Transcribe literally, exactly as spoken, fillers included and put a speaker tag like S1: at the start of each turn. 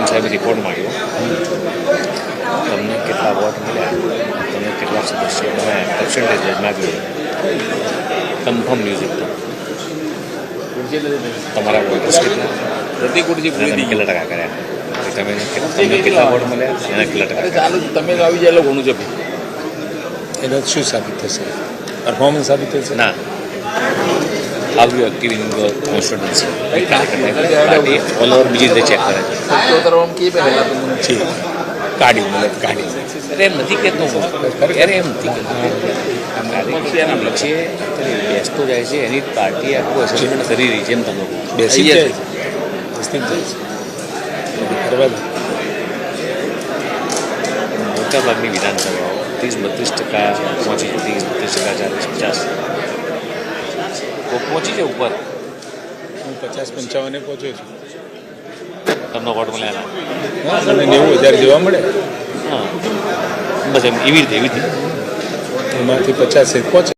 S1: Team સાહેબે report માંગ્યો, તમને કેટલા વોટ મળ્યા, તમને કેટલા સદસ્યો, તમે પર્સન્ટેજ માગ્યું, કન્ફર્મ ન્યૂઝ એકદમ તમારા વોટર્સ કેટલા,
S2: પ્રતિ કુટજી પૂરી
S1: કેટલા ટકા કર્યા, તમે તમને કેટલા વોટ મળ્યા, એના કેટલા ટકા.
S2: ચાલુ તમે તો આવી જાય એટલે ઘણું છે.
S3: એના શું સાબિત થશે? પરફોર્મન્સ સાબિત થશે
S1: ના. How you active in your constituency party all over બીજી રીતે ચેક કરે છે.
S3: જી કાઢી મતલબ કાઢી
S1: અરે એમ નથી કહેતો હું, અરે એમ નથી કહેતો કાર્યકર્તાના નીચે બેસતો જાય છે, એની પાર્ટી આખું એસેસમેન્ટ કરી રહી છે. એમ તમે
S3: બેસી જાય છે, બેસતી જાય છે. બરાબર.
S1: મોટાભાગની વિધાનસભાઓ ત્રીસ બત્રીસ ટકા પહોંચી છે, ત્રીસ બત્રીસ ટકા ચાલીસ પચાસ પહોંચી છે ઉપર.
S3: હું પચાસ પંચાવને પહોંચ્યો છું.
S1: તમને વોટ મળ્યા
S3: હા, મને નેવું હજાર જેવા મળે.
S1: હા, બસ એમ એવી રીતે એવી રીતે
S3: એમાંથી પચાસ પહોંચે.